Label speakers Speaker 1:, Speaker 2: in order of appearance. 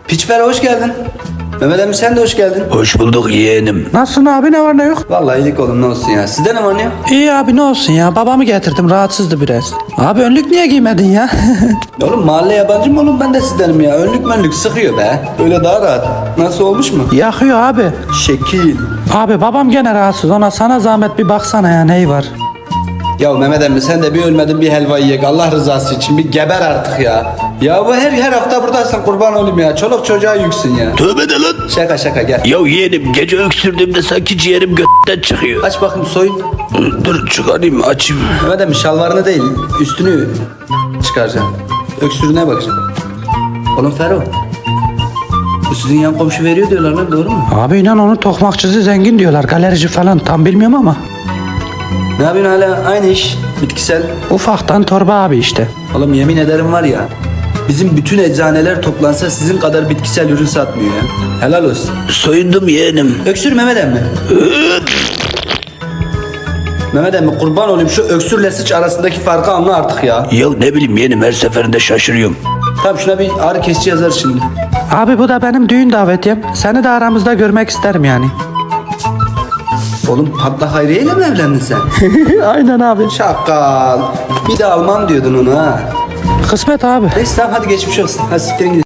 Speaker 1: Piçper hoş geldin. Mehmet emmi sen de hoş geldin.
Speaker 2: Hoş bulduk yeğenim.
Speaker 3: Nasılsın abi, ne var ne yok?
Speaker 1: Vallahi iyilik oğlum ne olsun ya. Sizde ne var ne yok?
Speaker 3: İyi abi, ne olsun ya, babamı getirdim, rahatsızdı biraz. Abi önlük niye giymedin ya?
Speaker 1: Oğlum mahalle yabancı mı oğlum ben de sizdenim ya. Önlük sıkıyor be. Böyle daha rahat. Nasıl olmuş mu?
Speaker 3: Yakıyor abi.
Speaker 1: Şekil.
Speaker 3: Abi babam gene rahatsız, ona sana zahmet bir baksana ya, neyi var?
Speaker 1: Ya Mehmet emmi sen de bir ölmedin bir helva yiyek. Allah rızası için bir geber artık ya. Ya bu her hafta buradasın kurban olayım ya. Çoluk çocuğa yüksün ya.
Speaker 2: Tövbe de lan.
Speaker 1: Şaka gel.
Speaker 2: Ya yeğenim gece öksürdüğümde sanki ciğerim götten çıkıyor.
Speaker 1: Aç bakayım soyun.
Speaker 2: Dur çıkarayım açayım.
Speaker 1: Mehmet emmi şalvarını değil üstünü çıkaracağım. Öksürüğüne bakacağım. Oğlum Ferro. Bu sizin yan komşu veriyor diyorlar lan doğru mu?
Speaker 3: Abi inan onu tokmakçısı zengin diyorlar, galerici falan, tam bilmiyorum ama.
Speaker 1: Ne yapıyorsun hala aynı iş bitkisel.
Speaker 3: Ufaktan torba abi işte.
Speaker 1: Oğlum yemin ederim var ya. Bizim bütün eczaneler toplansa sizin kadar bitkisel ürün satmıyor ya. Helal olsun.
Speaker 2: Soyundum yeğenim.
Speaker 1: Öksür Mehmet emmi. Mehmet emmi kurban olayım şu öksürle sıç arasındaki farkı anla artık ya.
Speaker 2: Ya ne bileyim yeğenim her seferinde şaşırıyorum.
Speaker 1: Tamam şuna bir ağrı kesici yazar şimdi.
Speaker 3: Abi bu da benim düğün davetiyem. Seni de aramızda görmek isterim yani.
Speaker 1: Oğlum Patla Hayriye ile mi evlendin sen?
Speaker 3: Aynen abi.
Speaker 1: Şakal. Bir de Alman diyordun onu ha.
Speaker 3: Kısmet abi.
Speaker 1: Neyse tamam hadi geçmiş olsun. Hadi siktirin gidin.